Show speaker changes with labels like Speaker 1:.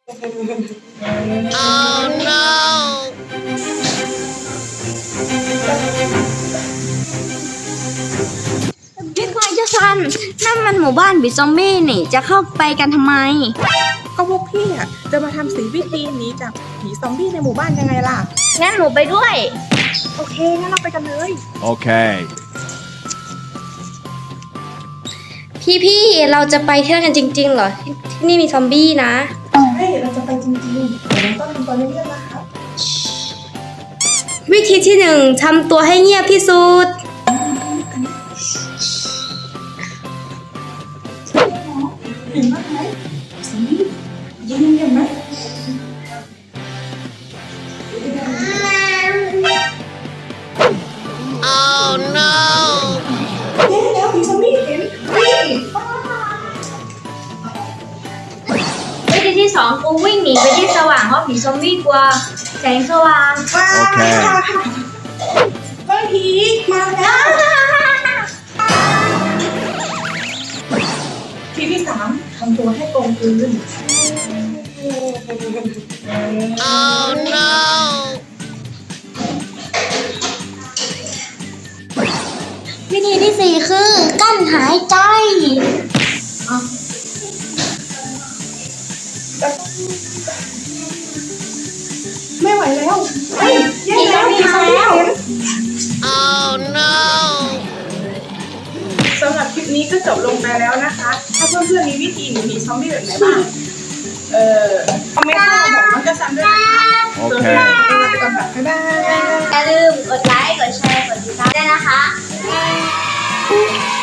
Speaker 1: พี่ควายเจ้าซันนั่นมันหมู่บ้านบิซอมบี้นี่จะเข้าไปกันทำไม
Speaker 2: ก็พวกพี่อ่ะจะมาทำสีวิธีหนีจากผีซอมบี้ในหมู่บ้านยังไงล่ะ
Speaker 1: งั้นหนูไปด้วย
Speaker 2: โอเคงั้นเราไปกันเลย
Speaker 3: Okay.
Speaker 4: พี่เราจะไปเที่ยวกันจริงๆเหรอที่นี่มีซอมบี้นะ
Speaker 2: เฮ้ยเราจะไปจริงๆแต่เราต้องทำตัวเงียบๆนะครับ
Speaker 4: วิธีที่ 1ทำตัวให้เงียบที่สุด
Speaker 2: เห็นไหมซอมบี้ยิงเห็นไหมแล้วผีซอมบี้เห็น
Speaker 1: วิธีที่ 2กูวิ่งหนีไปที่สว่างเพราะผีซอมบี้กลัวแสงสว่าง
Speaker 3: โอเค
Speaker 2: เฮ้ยผีมาแล้วทีที่ 3ทำตัวให้กลมกลืน
Speaker 1: วิธีที่ 4คือกั้นหายใจ
Speaker 2: ไม่ไหวแล้วเฮ้ยแย่แล้วผีซอมบี้เห็นสำหรับคลิปนี้ก็จบลงไปแล้วนะคะ ถ้าเพื่อนๆมีวิธีหนีผีซอมบี้แบบไหนบ้างคอมเมนต์มาบอกน้องกระซันด้วยนะคะส่วนเราไปก่อนค่ะบ๊ายบาย
Speaker 1: อย่าลืมกดไลค์กดแชร์กดติดตามด้วยนะคะ